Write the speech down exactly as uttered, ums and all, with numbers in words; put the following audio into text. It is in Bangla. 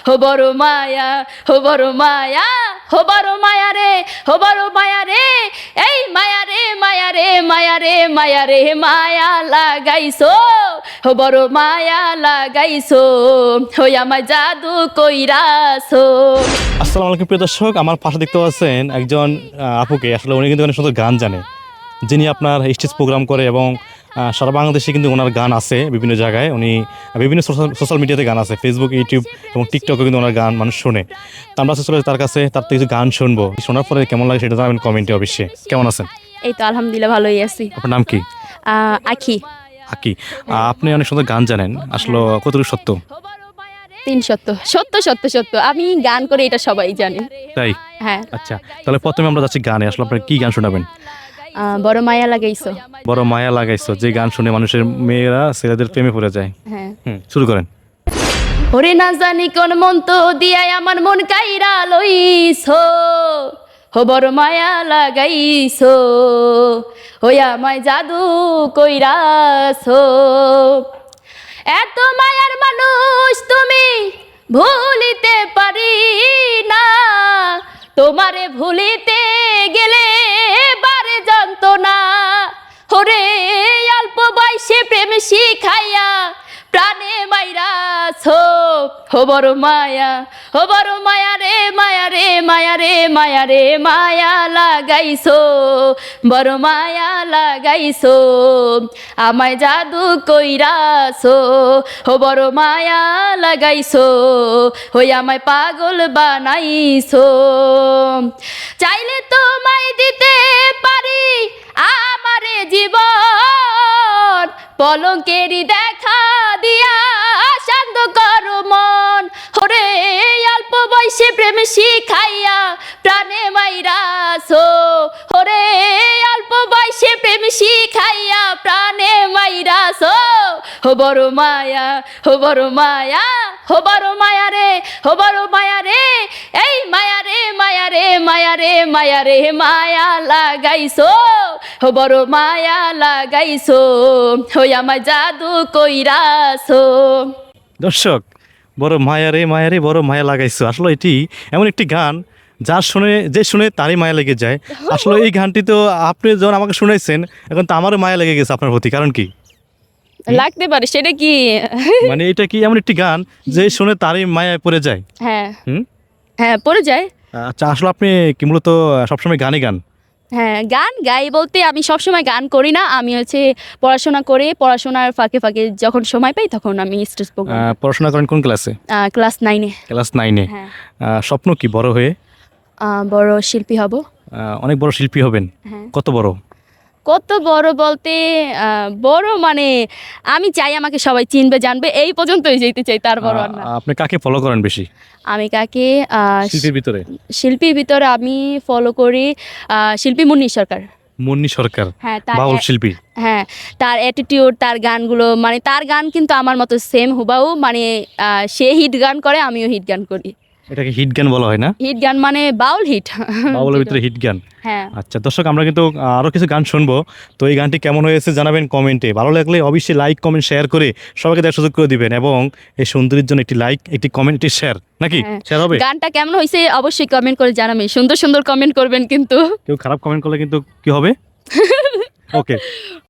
হো বড় মায়া হো বড় মায়া হো বড় মায়া রে হো বড় মায়া রে এই মায়া রে মায়া রে মায়া রে মায়া রে মায়া লাগাইছো হো বড় মায়া লাগাইছো হই আমার জাদু কইরাছো। আসসালামু আলাইকুম প্রিয় দর্শক, আমার পাশে দেখতে পাচ্ছেন একজন আহ, আপুকে। আসলে উনি কিন্তু অনেক সুন্দর গান জানে, যিনি আপনার স্টেজ প্রোগ্রাম করে এবং আহ, সারা বাংলাদেশে কিন্তু ওনার গান আছে বিভিন্ন জায়গায়। উনি বিভিন্ন সোশ্যাল মিডিয়াতে গান আছে, ফেসবুক, ইউটিউব এবং টিকটকে কিন্তু ওনার গান মানুষ শোনে। তো আমরা চলে তার কাছে, তার থেকে কিছু গান শুনবো। শোনার পরে কেমন লাগে সেটা জানাবেন কমেন্টে অবশ্যই। কেমন আছেন? এই তো আলহামদুলিল্লাহ ভালোই আছি। আপনার নাম কি? আহ, আখি। আকি। আহ, আপনি অনেক সুন্দর গান জানেন, আসলে কতটুকু সত্য? তিন সত্য সত্য সত্য সত্য আমি গান করে এটা সবাই জানে। তাই? হ্যাঁ। আচ্ছা, তাহলে প্রথমে আমরা যাচ্ছি গানে। আসলে আপনার কি গান শোনাবেন? আহ, বড় মায়া লাগাইছো। বড় মায়া লাগাইছো, যে গান শুনে মানুষের মেয়েরা ছেলেদের প্রেমে পড়ে যায়। হ্যাঁ। হুম, শুরু করেন। ওরে না জানি কোন মন্ত্র দিয়াই আমার মন কাইরা লইছো হো বড় মায়া লাগাইছো ওই আমায় জাদু কইরাছো। এত মায়ার মানুষ তুমি ভুলিতে পারি না, তোমারে ভুলিতে গেলে বারে যন্ত্রণা। ওরে অল্প বয়সে প্রেম শিখাইয়া প্রাণে মাইরাছো হো বড় মায়া হো বড় মায়া রে মায়া রে মায়া রে মায়া রে মায়া লাগাইছো বড় মায়া লাগাইছো আমায় জাদু কইরাছো হো বড় মায়া লাগাইছো হই আমায় পাগল বানাইছো। চাইলে তোমায় দিতে পারি আমারে জীবন, পলকেরই দেখা দিয়া শান্ত করো মন। ওরে অল্প বয়সে প্রেম শিখাইয়া প্রাণে মাইরাছো, ওরে অল্প বয়সে প্রেম শিখাইয়া প্রাণে মাইরাছো হো বড় মায়া হো বড় মায়া হো বড় মায়া রে হো বড় মায়া রে এই মায়া রে মায়া রে মায়া রে মায়া রে মায়া লাগাইছো হো বড় মায়া লাগাইছো হই আমার জাদু কইরাছো। দর্শক, বড় মায়া রে মায়া রে বড় মায়া লাগাইছো, আসলে এটি এমন একটি গান যার শুনে যে শুনে তারই মায়া লেগে যায়। আসলে এই গানটি তো আপনি যখন আমাকে শুনাইছেন, এখন তো আমারও মায়া লেগে গেছে আপনার প্রতি। কারণ কি? লাগতে পারে, সেটা কি? মানে এটা কি এমন একটি গান যে শুনে তারই মায়ায় পড়ে যায়? হ্যাঁ। হুম। হ্যাঁ, পড়ে যায়। আচ্ছা, আসলে আপনি কি মূলত সবসময় গানই গান? হ্যাঁ, গান গাই বলতে আমি সবসময় গান করি না, আমি হচ্ছে পড়াশোনা করে পড়াশোনার ফাঁকে ফাঁকে যখন সময় পাই তখন আমি স্টেজ প্রোগ্রাম। আহ, পড়াশোনা করেন কোন ক্লাসে? ক্লাস নাইনে। ক্লাস নাইনে। হ্যাঁ। আহ, স্বপ্ন কি বড় হয়ে? আহ, বড় শিল্পী হব। আহ, অনেক বড় শিল্পী হবেন? হ্যাঁ। কত বড়? কত বড় বলতে আহ, বড় মানে আমি চাই আমাকে সবাই চিনবে জানবে, এই পর্যন্তই যেতে চাই, তার বড় আর না। আহ, আপনি কাকে ফলো করেন বেশি আমি কাকে আহ, শিল্পীর ভিতরে? শিল্পীর ভিতরে আমি ফলো করি আহ, শিল্পী মুন্নি সরকার। মুন্নি সরকার? হ্যাঁ, তার বাউল শিল্পী। হ্যাঁ, তার অ্যাটিটিউড, তার গানগুলো, মানে তার গান কিন্তু আমার মতো সেম হুবাহু, মানে আহ, সে হিট গান করে আমিও হিট গান করি। এটাকে হিট গান বলা হয় না? হিট গান মানে বাউল হিট। বাউলের ভিতরে হিট গান। হ্যাঁ। আচ্ছা দর্শক, আমরা কিন্তু আরও কিছু গান শুনবো। তো এই গানটি কেমন হয়েছে জানাবেন কমেন্টে। ভালো লাগলে অবশ্যই লাইক কমেন্ট শেয়ার করে সবাইকে দেখার সুযোগ করে দিবেন, এবং এই সুন্দরীর জন্য একটি লাইক, একটি কমেন্ট, একটি শেয়ার, নাকি হ্যাঁ। শেয়ার হবে? গানটা কেমন হয়েছে অবশ্যই কমেন্ট করে জানাবেন, সুন্দর সুন্দর কমেন্ট করবেন কিন্তু। কেউ খারাপ কমেন্ট করলে কিন্তু কি হবে? ওকে।